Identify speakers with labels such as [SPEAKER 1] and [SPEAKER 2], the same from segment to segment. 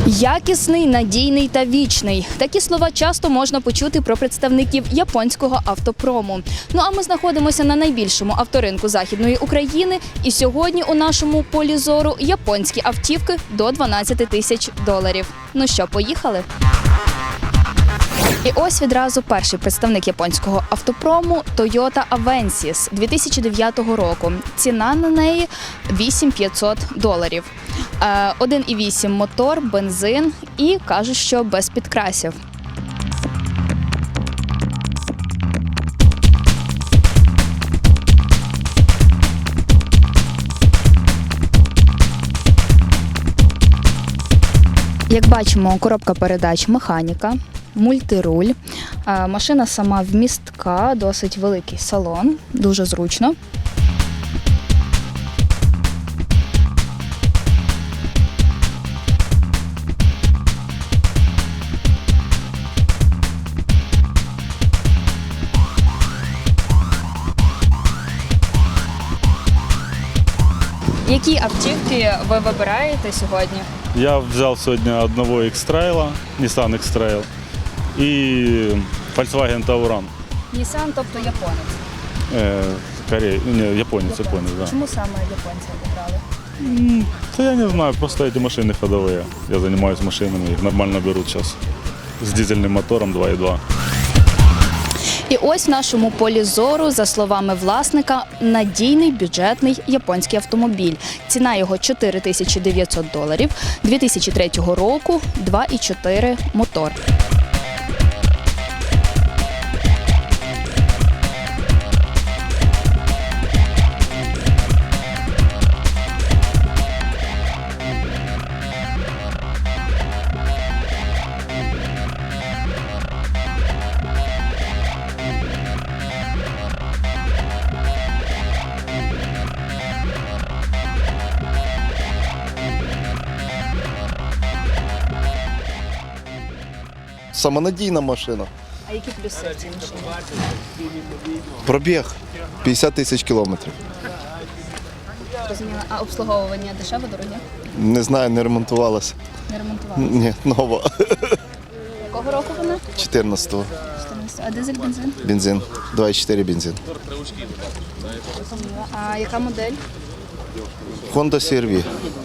[SPEAKER 1] Якісний, надійний та вічний. Такі слова часто можна почути про представників японського автопрому. Ну а ми знаходимося на найбільшому авторинку Західної України. І сьогодні у нашому полі зору японські автівки до $12 тисяч. Ну що, поїхали? І ось відразу перший представник японського автопрому – Toyota Avensis 2009 року. Ціна на неї $8500. 1,8 мотор, бензин і кажуть, що без підкрасів. Як бачимо, коробка передач механіка, мультируль. Машина сама вмістка, досить великий салон, дуже зручно. Які автівки ви вибираєте сьогодні?
[SPEAKER 2] Я взял сегодня одного X-Trail, Nissan X-Trail и Volkswagen Tauran.
[SPEAKER 1] Nissan, тобто японець.
[SPEAKER 2] Японец, да.
[SPEAKER 1] Чому саме японця обрали?
[SPEAKER 2] Да я не знаю, просто эти машины ходовые. Я занимаюсь машинами, их нормально берут сейчас. С дизельным мотором 2.2.
[SPEAKER 1] І ось в нашому полі зору, за словами власника, надійний бюджетний японський автомобіль. Ціна його $4900, 2003 року, 2.4 мотор.
[SPEAKER 3] Самонадійна машина.
[SPEAKER 1] А які плюси в цій машині?
[SPEAKER 3] Пробіг 50 тисяч кілометрів.
[SPEAKER 1] Розуміла. А обслуговування дешеве, дороге?
[SPEAKER 3] Не знаю, не ремонтувалася.
[SPEAKER 1] Не ремонтувалося.
[SPEAKER 3] Ні, нова.
[SPEAKER 1] Якого року вона?
[SPEAKER 3] 14-го.
[SPEAKER 1] А дизель, бензин?
[SPEAKER 3] Бензин. 2,4 бензин.
[SPEAKER 1] Розуміла. А яка модель?
[SPEAKER 3] Honda CR-V.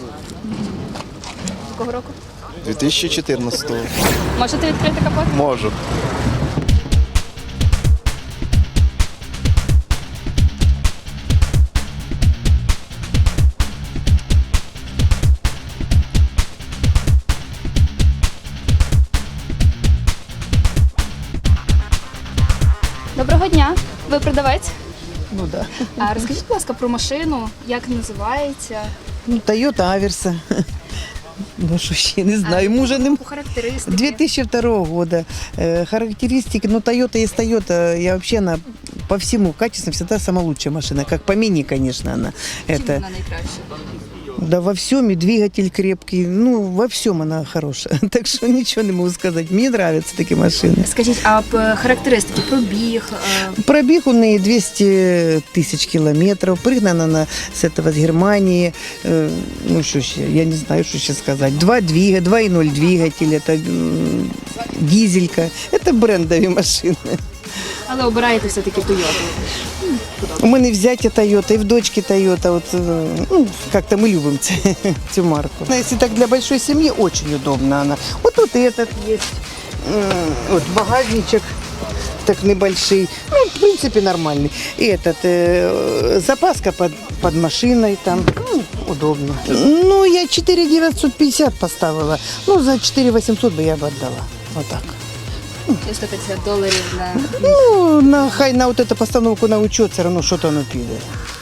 [SPEAKER 1] Якого року?
[SPEAKER 3] 2014-го.
[SPEAKER 1] Можете відкрити капот?
[SPEAKER 3] Можу.
[SPEAKER 1] Доброго дня. Ви продавець?
[SPEAKER 4] Ну да.
[SPEAKER 1] А розкажіть, будь ласка, про машину, як називається?
[SPEAKER 4] Ну, Toyota Аверса. Ну, что ще, не знаю, ему уже не...
[SPEAKER 1] По характеристиці?
[SPEAKER 4] 2002 года. Характеристики, ну, Toyota есть Toyota. Я вообще, она по всему качеству всегда самая лучшая машина. Как по мини, конечно, она.
[SPEAKER 1] Чим
[SPEAKER 4] Это,
[SPEAKER 1] вона найкраща?
[SPEAKER 4] да, во всем, и двигатель крепкий. Ну, во всем она хорошая. Так что ничего не могу сказать. Мне нравятся такие машины.
[SPEAKER 1] Скажіть, а характеристики, пробіг?
[SPEAKER 4] Пробег у нее 200 тысяч километров. Пригнана она с этого, с Германии. Ну, что еще, я не знаю, что сейчас сказать. 2.0 двигатель, это дизелька. Это брендовые машины.
[SPEAKER 1] Але обираєте все-таки Toyota.
[SPEAKER 4] У мене взяття Toyota, и в дочке Toyota. Вот, ну, как-то мы любим эту марку. Если так для большой семьи, очень удобно она. Вот тут этот есть. Вот багажничек. Так небольшой, ну, в принципе, нормальный. И этот, запаска под машиной там, ну, удобно. Ну, я 4950 поставила, ну, за 4800 бы я бы отдала, вот так.
[SPEAKER 1] $150 на...
[SPEAKER 4] Ну, хай на вот эту постановку на учет все равно що-то воно піде.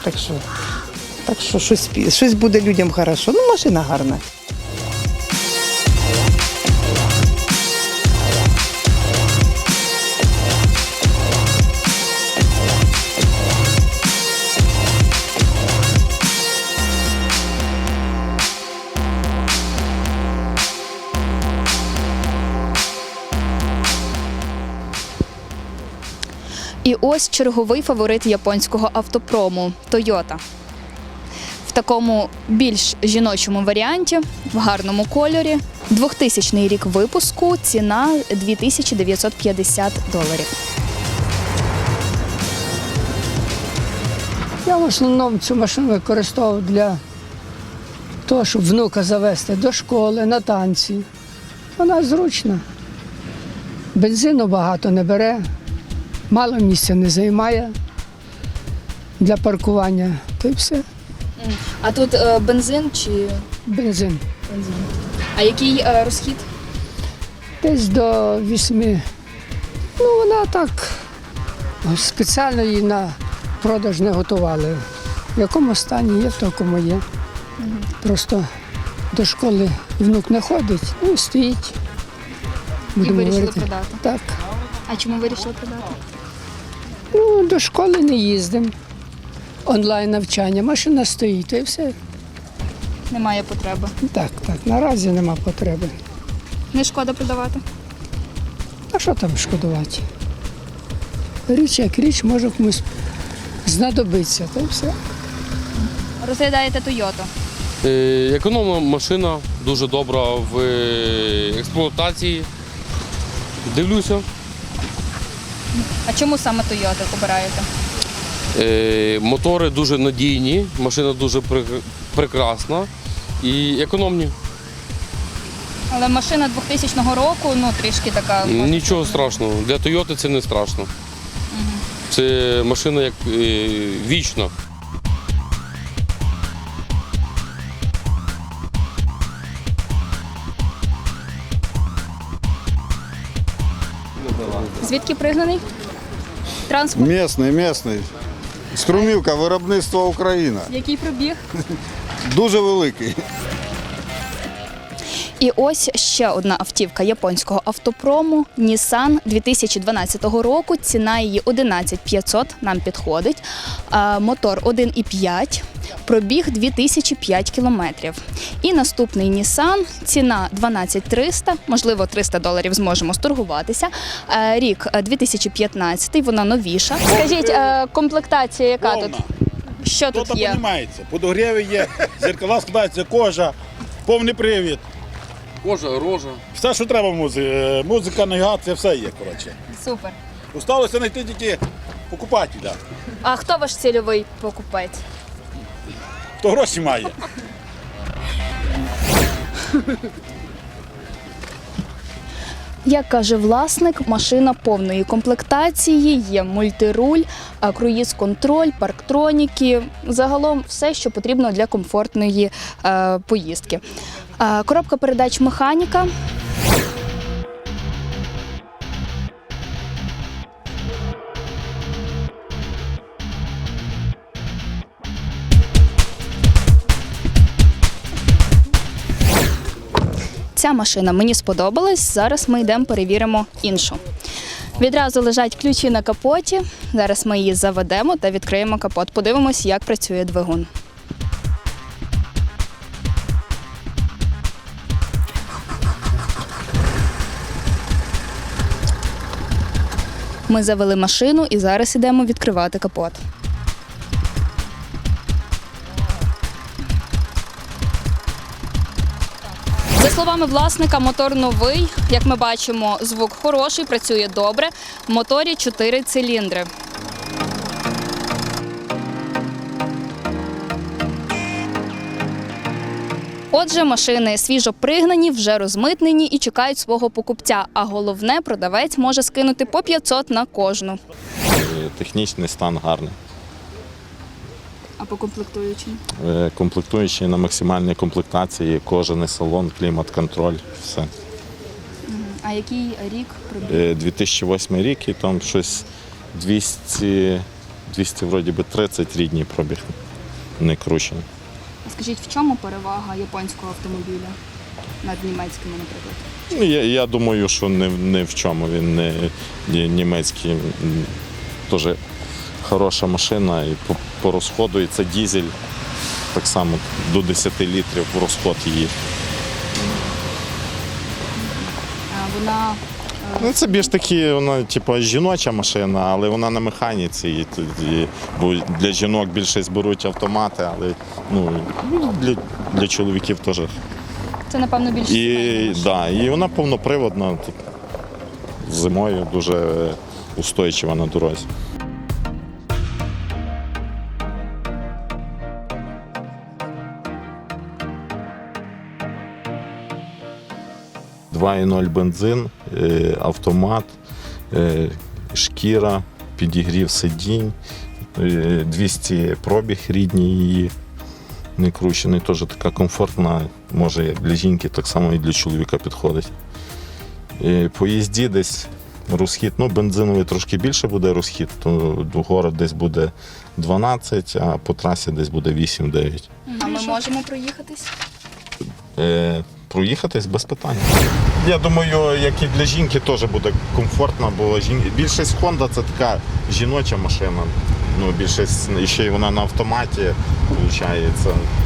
[SPEAKER 4] Так що щось буде людям хорошо. Ну, машина гарна.
[SPEAKER 1] І ось черговий фаворит японського автопрому – Toyota. В такому більш жіночому варіанті, в гарному кольорі. 2000 рік випуску, ціна $2950.
[SPEAKER 5] Я в основному цю машину використовував для того, щоб внука завести до школи, на танці. Вона зручна. Бензину багато не бере, мало місця не займає для паркування. То й все.
[SPEAKER 1] А тут бензин чи
[SPEAKER 5] Бензин.
[SPEAKER 1] бензин? А який розхід?
[SPEAKER 5] Десь до 8. Ну, вона так спеціально її на продаж не готували. В якому стані є, в такому є. Просто до школи внук не ходить, ну і стоїть.
[SPEAKER 1] І вирішили
[SPEAKER 5] говорити.
[SPEAKER 1] продати.
[SPEAKER 5] Так.
[SPEAKER 1] А чому вирішили продати?
[SPEAKER 5] Ну, до школи не їздимо. Онлайн навчання, машина стоїть, і все.
[SPEAKER 1] Немає потреби.
[SPEAKER 5] Так, наразі нема потреби.
[SPEAKER 1] Не шкода продавати?
[SPEAKER 5] А що там шкодувати? Річ як річ, може комусь знадобиться, та й все.
[SPEAKER 1] Розглядаєте Toyota.
[SPEAKER 6] Економна машина, дуже добра в експлуатації. Дивлюся.
[SPEAKER 1] А чому саме Toyota обираєте?
[SPEAKER 6] Мотори дуже надійні, машина дуже прекрасна і економні.
[SPEAKER 1] Але машина 2000 року, ну трішки така.
[SPEAKER 6] Нічого страшного. Для Toyota це не страшно. Це машина як вічна.
[SPEAKER 1] Звідки пригнаний? Транспорт.
[SPEAKER 7] Місний. Струмівка, виробництво Україна.
[SPEAKER 1] Який пробіг?
[SPEAKER 7] Дуже великий.
[SPEAKER 1] І ось ще одна автівка японського автопрому Nissan 2012 року. Ціна її 11500, нам підходить. Мотор 1,5, пробіг 2005 кілометрів. І наступний Nissan, ціна 12300, можливо $300 зможемо сторгуватися. Рік 2015, вона новіша. Скажіть, комплектація яка тут? Що тут
[SPEAKER 8] Хто-то
[SPEAKER 1] є?
[SPEAKER 8] розуміється. Подогріви є, зеркала складаються, кожа, повний привід.
[SPEAKER 6] Кожа, рожа.
[SPEAKER 8] Все, що треба музика, навігація, все є, коротше.
[SPEAKER 1] Супер.
[SPEAKER 8] Осталося знайти тільки покупателя,
[SPEAKER 1] А хто ваш цільовий покупець?
[SPEAKER 8] хто гроші має.
[SPEAKER 1] Як каже власник, машина повної комплектації, є мультируль, круїз-контроль, парктроніки, загалом все, що потрібно для комфортної поїздки. Коробка передач механіка. Ця машина мені сподобалась, зараз ми йдемо перевіримо іншу. Відразу лежать ключі на капоті, зараз ми її заведемо та відкриємо капот. Подивимось, як працює двигун. Ми завели машину і зараз йдемо відкривати капот. За словами власника, мотор новий. Як ми бачимо, звук хороший, працює добре. В моторі 4 циліндри. Отже, машини свіжо пригнані, вже розмитнені і чекають свого покупця. А головне, продавець може скинути по 500 на кожну.
[SPEAKER 9] Технічний стан гарний.
[SPEAKER 1] А по комплектуючій?
[SPEAKER 9] Комплектуючі на максимальній комплектації, кожаний салон, клімат-контроль, все.
[SPEAKER 1] А який рік пробіг?
[SPEAKER 9] 2008 рік і там щось 200 вроді би 30 рідні пробіг, не кручений.
[SPEAKER 1] Скажіть, в чому перевага японського автомобіля над німецькими, наприклад?
[SPEAKER 9] Ну, я думаю, що не в чому. Він не німецький, теж хороша машина і по розходу, і це дизель, так само до 10 літрів розход її.
[SPEAKER 1] Вона
[SPEAKER 9] Ну, це більш такі, вона типу, жіноча машина, але вона на механіці. Бо для жінок більшість беруть автомати, але для чоловіків теж.
[SPEAKER 1] Це, напевно, більш
[SPEAKER 9] І вона повноприводна, тут зимою дуже устойчива на дорозі. «2.0 бензин, автомат, шкіра, підігрів сидінь, 200 пробіг рідні її, не кручений, теж така комфортна, може як для жінки, так само і для чоловіка підходить. По їзді десь розхід, бензиновий трошки більше буде розхід, то в город десь буде 12, а по трасі десь буде 8-9.
[SPEAKER 1] А ми можемо проїхатись?
[SPEAKER 9] Проїхатись без питань. Я думаю, як і для жінки теж буде комфортно, бо більшість Honda це така жіноча машина. Більшість, і ще й вона на автоматі, виходить.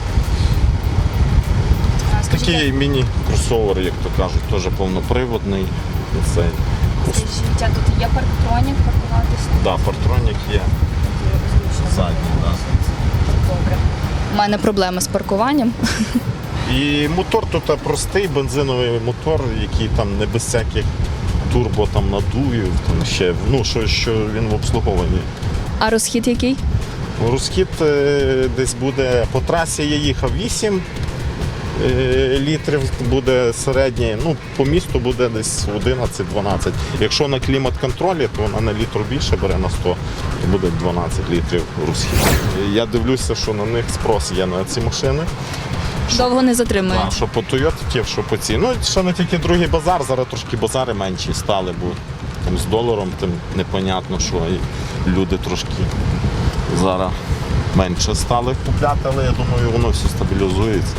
[SPEAKER 9] Такий міні-кросовер, як то кажуть, теж повноприводний.
[SPEAKER 1] Скажіть, а тут є парктронік, паркуватися?
[SPEAKER 9] Так, парктронік є. Задній, так.
[SPEAKER 1] Добре. У мене проблеми з паркуванням.
[SPEAKER 9] І мотор тут простий, бензиновий мотор, який там не без всяких турбо надувів, там ще, що він в обслуговуванні.
[SPEAKER 1] А розхід який?
[SPEAKER 9] Розхід десь буде, по трасі я їхав 8 літрів, буде середній, по місту буде десь 11-12. Якщо на клімат-контролі, то вона на літру більше бере на 100, то буде 12 літрів розхід. Я дивлюся, що на них спрос є на ці машини.
[SPEAKER 1] Довго не затримує.
[SPEAKER 9] Так, що по Toyota, що по цій. Ще не тільки другий базар, зараз трошки базари менші стали, бо там з доларом тим непонятно, що і люди трошки зараз менше стали купляти, але я думаю, воно все стабілізується.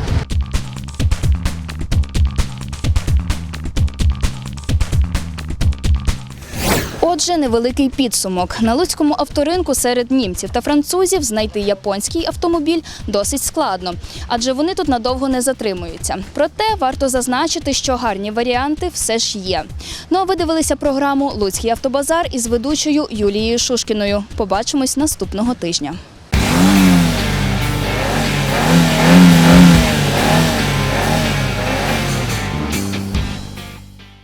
[SPEAKER 1] Отже, невеликий підсумок. На луцькому авторинку серед німців та французів знайти японський автомобіль досить складно, адже вони тут надовго не затримуються. Проте варто зазначити, що гарні варіанти все ж є. Ну а ви дивилися програму «Луцький автобазар» із ведучою Юлією Шушкіною. Побачимось наступного тижня.